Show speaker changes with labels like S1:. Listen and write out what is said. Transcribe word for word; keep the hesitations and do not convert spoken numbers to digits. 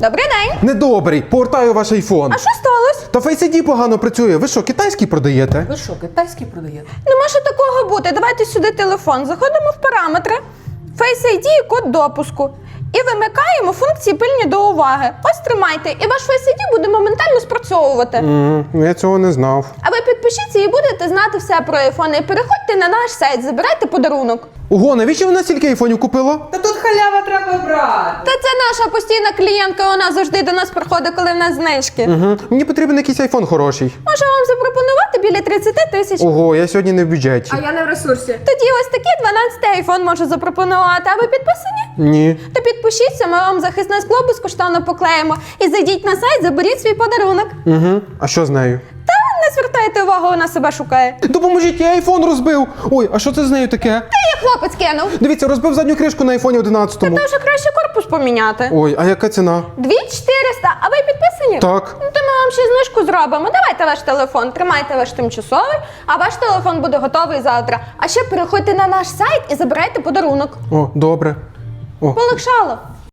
S1: Добрий день.
S2: Недобрий, повертаю ваш айфон.
S1: А що сталося?
S2: Та Face ай ді погано працює. Ви що, китайський продаєте?
S3: Ви що, китайський продаєте?
S1: Не може такого бути. Давайте сюди телефон. Заходимо в параметри. Face ай ді і код допуску. І вимикаємо функції пильні до уваги. Ось тримайте. І ваш Face ай ді буде моментально спрацьовувати.
S2: М, я цього не знав.
S1: А ви підпишіться і будете знати все про айфони. І переходьте на наш сайт, забирайте подарунок.
S2: Ого, навіщо ви стільки айфонів купила?
S3: Та тут халява треба брати.
S1: Та це наша постійна клієнтка, вона завжди до нас приходить, коли в нас знижки.
S2: Угу. Мені потрібен якийсь айфон хороший.
S1: Можу вам запропонувати біля тридцять тисяч.
S2: Ого, я сьогодні не в бюджеті.
S3: А я не в ресурсі.
S1: Тоді ось такий дванадцятий айфон можу запропонувати. А ви підписані?
S2: Ні.
S1: То підпишіться, ми вам захисне скло безкоштовно поклеїмо. І зайдіть на сайт, заберіть свій подарунок.
S2: Угу. А що з нею?
S1: Та не звертайте увагу, вона себе шукає.
S2: Допоможіть, я айфон розбив. Ой, а що це з нею таке?
S1: Та я хлопець кинув.
S2: Дивіться, розбив задню кришку на айфоні одинадцятому.
S1: Та вже краще корпус поміняти.
S2: Ой, а яка ціна?
S1: дві чотириста, а ви підписані?
S2: Так.
S1: Ну, то ми вам ще знижку зробимо. Давайте ваш телефон, тримайте ваш тимчасовий, а ваш телефон буде готовий завтра. А ще переходьте на наш сайт і забирайте подарунок.
S2: О, добре. О.
S1: Полегшало.